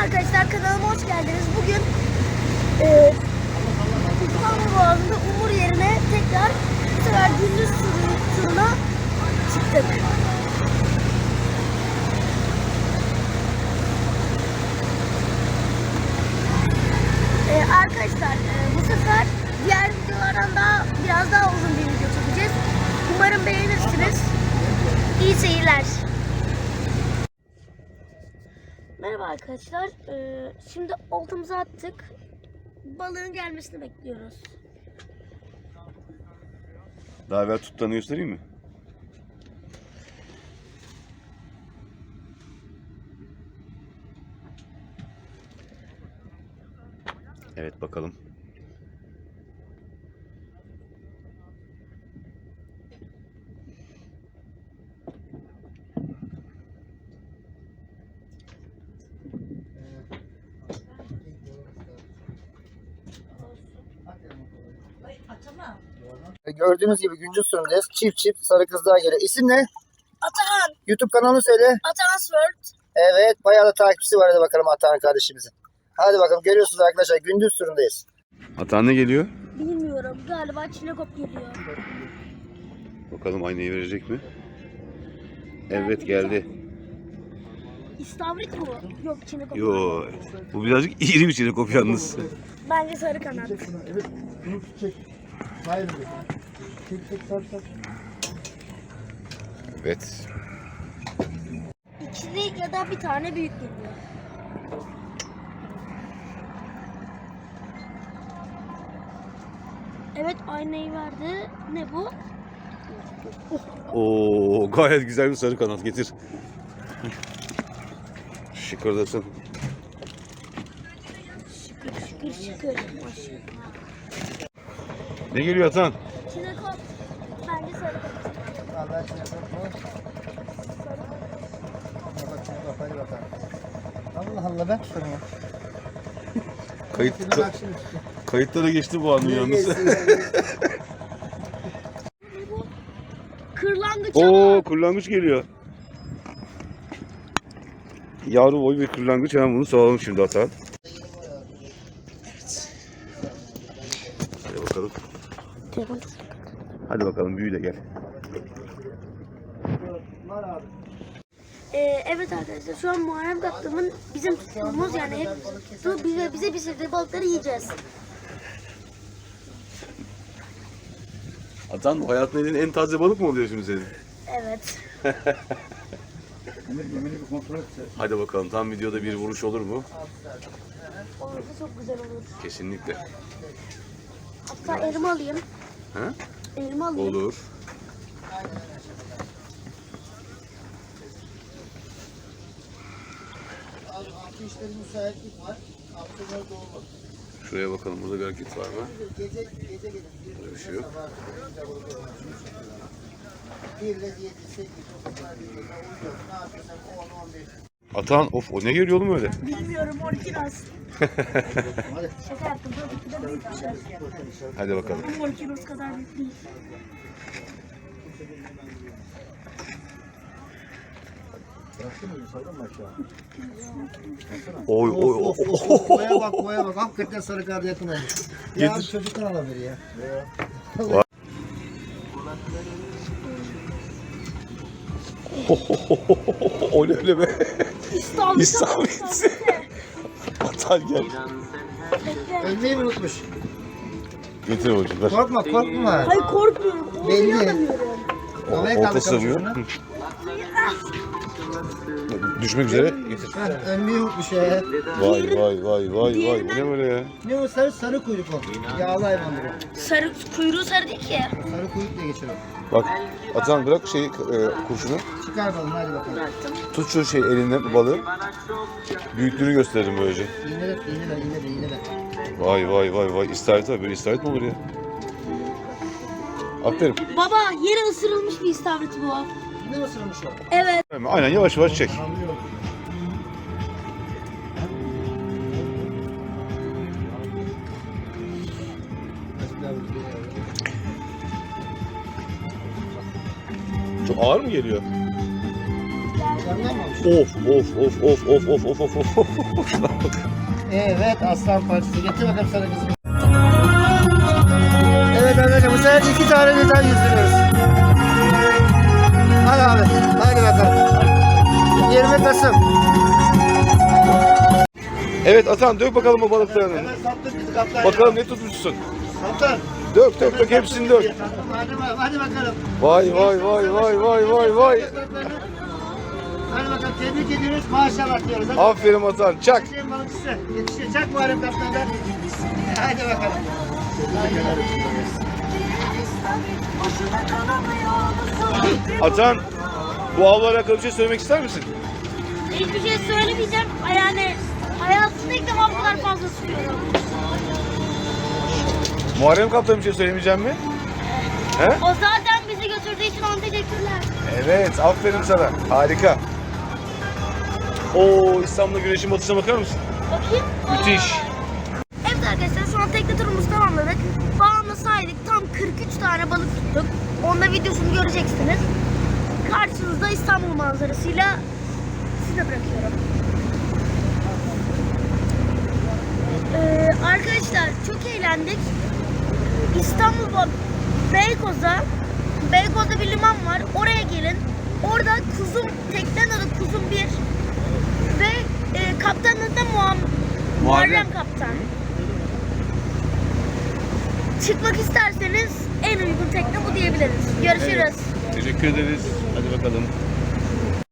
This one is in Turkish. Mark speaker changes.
Speaker 1: Arkadaşlar kanalıma hoş geldiniz. Bugün İstanbul Boğazı'nda Umur yerine tekrar bu sefer gündüz turuna çıktık. Arkadaşlar bu sefer diğer videolardan biraz daha uzun bir video çekeceğiz. Umarım beğenirsiniz. İyi seyirler. Merhaba arkadaşlar. Şimdi oltamızı attık. Balığın gelmesini bekliyoruz.
Speaker 2: Daha evvel tuttuğunu göstereyim mi? Evet bakalım.
Speaker 3: Gördüğünüz gibi güncü sürümdeyiz. Çift sarı kızlar geliyor. İsim ne?
Speaker 1: Atahan.
Speaker 3: YouTube kanalını söyle.
Speaker 1: Atahan World.
Speaker 3: Evet, bayağı da takipçisi var. Hadi bakalım Atahan kardeşimizin. Hadi bakalım, görüyorsunuz arkadaşlar, gündüz sürümdeyiz.
Speaker 2: Atan ne geliyor?
Speaker 1: Bilmiyorum. Galiba Çinekop geliyor.
Speaker 2: Bakalım aynayı verecek mi? Evet geldi.
Speaker 1: İstavrit mi? Yok Çinekop.
Speaker 2: Yo, bu birazcık iri bir çinekop yalnız.
Speaker 1: Bence sarı kanat.
Speaker 3: Evet, bunu çek. Hayır. Çek, sar.
Speaker 2: Evet.
Speaker 1: İkili ya da bir tane büyük geliyor. Evet aynayı verdi. Ne bu?
Speaker 2: Oo, gayet güzel bir sarı kanat getir. Şıkırdasın.
Speaker 1: Şıkır. Maşallah.
Speaker 2: Ne geliyor Atan?
Speaker 1: Çinekop. Bence sarı kanat.
Speaker 3: Allah aşkına hadi bakalım. Allah Allah, ver şunu.
Speaker 2: Kayıtlara geçti bu anı yalnız.
Speaker 1: Kırlangıç
Speaker 2: Oo, kırlangıç geliyor. Yavru boy bir kırlangıç, hemen bunu salalım şimdi Atan. Hadi bakalım. Hadi bakalım, büyü de gel.
Speaker 1: Evet arkadaşlar şu an Muharrem Kaptan'ın bizim tuttuğumuz yani hep tuttuğu bize pişirdiği balıkları yiyeceğiz.
Speaker 2: Atan, hayatın yediğin en taze balık mı oluyor şimdi senin?
Speaker 1: Evet.
Speaker 2: Hadi bakalım, tam videoda bir vuruş olur mu?
Speaker 1: Olursa çok güzel olur.
Speaker 2: Kesinlikle.
Speaker 1: Hatta elma alayım.
Speaker 2: Ha?
Speaker 1: Elma alayım.
Speaker 2: Olur. Şuraya bakalım, burada bir hareket var mı? Burada bir şey yok. Atan, of, o ne geliyor oğlum öyle?
Speaker 1: Bilmiyorum 12 nas. Şaka yaptım. Tabii ki de büyük bir şey.
Speaker 2: Hadi bakalım.
Speaker 1: 12 nas kadar büyük değil.
Speaker 2: Oy oy oy.
Speaker 3: Boya bak. Hakikaten sarı karda yakın olmuş. Ya
Speaker 2: Getir.
Speaker 3: çocuktan alabilir ya.
Speaker 2: O ne öyle be?
Speaker 1: İstavrit.
Speaker 2: Atan gel.
Speaker 3: Ölmeyi mi unutmuş?
Speaker 2: Getir hocam, ver.
Speaker 3: Korkma.
Speaker 1: Hayır korkmuyorum.
Speaker 3: Belli.
Speaker 1: Oynayamıyorum.
Speaker 2: Orta sığmıyor. Düşmek üzere. Getir.
Speaker 3: Ölmeyi unutmuş ya.
Speaker 2: Vay. Bu ne böyle ya?
Speaker 3: Ne o sarı kuyruk o. Yağlı hayvandır o.
Speaker 1: Sarı, kuyruğu sarı değil ki.
Speaker 3: Sarı kuyruk diye geçiyor.
Speaker 2: Bak, Atan bırak kurşunu.
Speaker 3: Çıkar bakalım, hadi bakalım.
Speaker 2: Tut şu elinden balığı. Büyüklüğünü gösterelim böylece.
Speaker 3: İğne de.
Speaker 2: Vay. İstavrit abi, böyle istavrit mi olur ya? Aferin.
Speaker 1: Baba yere ısırılmış bir istavrit bu.
Speaker 3: Ne ısırmış o?
Speaker 1: Evet.
Speaker 2: Aynen, yavaş yavaş çek. Çok ağır mı geliyor?
Speaker 3: Yandan mı almış?
Speaker 2: Of.
Speaker 3: Evet aslan parçası. Getir bakalım sana kızım. Evet arkadaşlar bu sefer 2 tane birden yüzdürüyoruz. Hadi abi. Hadi bakalım. 20 Kasım.
Speaker 2: Evet Atan dök bakalım o balıklarını.
Speaker 3: Hemen sattık bizi kaptan.
Speaker 2: Bakalım ne tutmuşsun.
Speaker 3: Kaptan.
Speaker 2: Dök hepsini dök.
Speaker 3: Hadi bakalım.
Speaker 2: Vay.
Speaker 3: Hadi bakalım tebrik ediyoruz. Maşallah diyoruz. Hadi.
Speaker 2: Aferin Atan çak.
Speaker 3: Yetişin balıkçısı. Yetişin. Çak Muharrem kaptandan. Hadi bakalım.
Speaker 2: Atan bu avla alakalı bir şey söylemek ister misin?
Speaker 1: Hiçbir şey söylemeyeceğim. Yani hayatımda ilk defa bu kadar fazla tutuyorum.
Speaker 2: Muharrem Kaptan bir şey söylemeyeceğim mi? He?
Speaker 1: O zaten bizi götürdüğü için ona teşekkürler.
Speaker 2: Evet aferin sana. Harika. Oo İstanbul'da güneşin batışına bakar mısın?
Speaker 1: Bakayım.
Speaker 2: Müthiş.
Speaker 1: Evet arkadaşlar şu an tekne turumuzu tamamladık. Bağımla saydık. Tam 43 tane balık tuttuk. Onda videosunu göreceksiniz. Karşınızda İstanbul manzarasıyla size bırakıyorum. Arkadaşlar çok eğlendik. İstanbul'da Beykoz'da bir liman var. Oraya gelin. Orada teknenin adı Kuzum 1 ve kaptanın da Muharrem Kaptan. Çıkmak isterseniz en uygun tekne bu diyebiliriz. Görüşürüz.
Speaker 2: Teşekkür ederiz. Hadi bakalım.